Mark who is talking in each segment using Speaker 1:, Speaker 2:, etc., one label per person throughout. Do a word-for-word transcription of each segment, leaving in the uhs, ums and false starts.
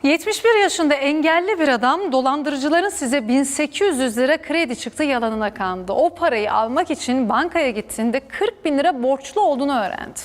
Speaker 1: yetmiş bir yaşında engelli bir adam dolandırıcıların size bin sekiz yüz lira kredi çıktı yalanına kandı. O parayı almak için bankaya gittiğinde kırk bin lira borçlu olduğunu öğrendi.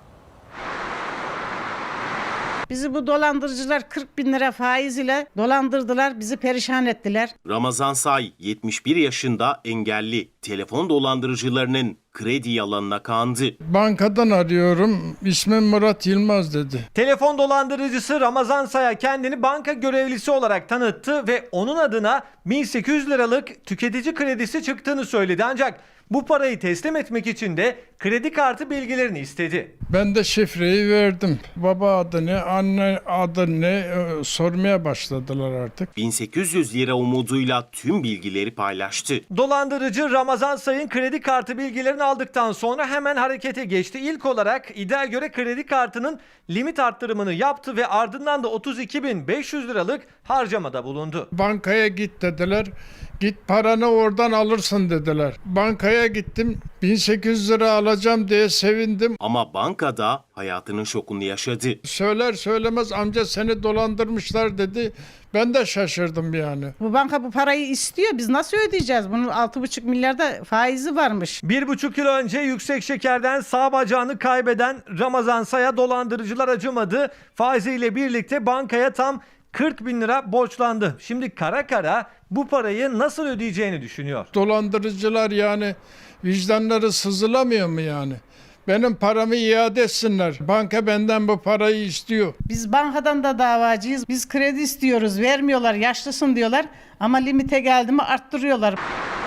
Speaker 2: Bizi bu dolandırıcılar kırk bin lira faiz ile dolandırdılar, bizi perişan ettiler.
Speaker 3: Ramazan Say yetmiş bir yaşında engelli, telefon dolandırıcılarının kredi yalanına kandı.
Speaker 4: Bankadan arıyorum, ismim Murat Yılmaz dedi.
Speaker 5: Telefon dolandırıcısı Ramazan Say'a kendini banka görevlisi olarak tanıttı ve onun adına bin sekiz yüz liralık tüketici kredisi çıktığını söyledi. Ancak bu parayı teslim etmek için de kredi kartı bilgilerini istedi.
Speaker 4: Ben de şifreyi verdim. Baba adı ne, anne adı ne e, sormaya başladılar artık.
Speaker 3: bin sekiz yüz lira umuduyla tüm bilgileri paylaştı.
Speaker 5: Dolandırıcı Ramazan Say'ın kredi kartı bilgilerini aldıktan sonra hemen harekete geçti. İlk olarak iddiaya göre kredi kartının limit arttırımını yaptı ve ardından da otuz iki bin beş yüz liralık harcamada bulundu.
Speaker 4: Bankaya git dediler. Git paranı oradan alırsın dediler. Bankaya gittim. bin sekiz yüz lira alacağım diye sevindim.
Speaker 3: Ama bankada hayatının şokunu yaşadı.
Speaker 4: Söyler söylemez amca seni dolandırmışlar dedi. Ben de şaşırdım yani.
Speaker 2: Bu banka bu parayı istiyor, biz nasıl ödeyeceğiz? Bunun altı buçuk milyarda faizi varmış.
Speaker 5: Bir buçuk yıl önce yüksek şekerden sağ bacağını kaybeden Ramazan Say'a dolandırıcılar acımadı. Faiziyle birlikte bankaya tam kırk bin lira borçlandı. Şimdi kara kara bu parayı nasıl ödeyeceğini düşünüyor.
Speaker 4: Dolandırıcılar yani vicdanları sızılamıyor mu yani? Benim paramı iade etsinler. Banka benden bu parayı istiyor.
Speaker 2: Biz bankadan da davacıyız. Biz kredi istiyoruz, vermiyorlar, yaşlısın diyorlar. Ama limite geldi mi arttırıyorlar.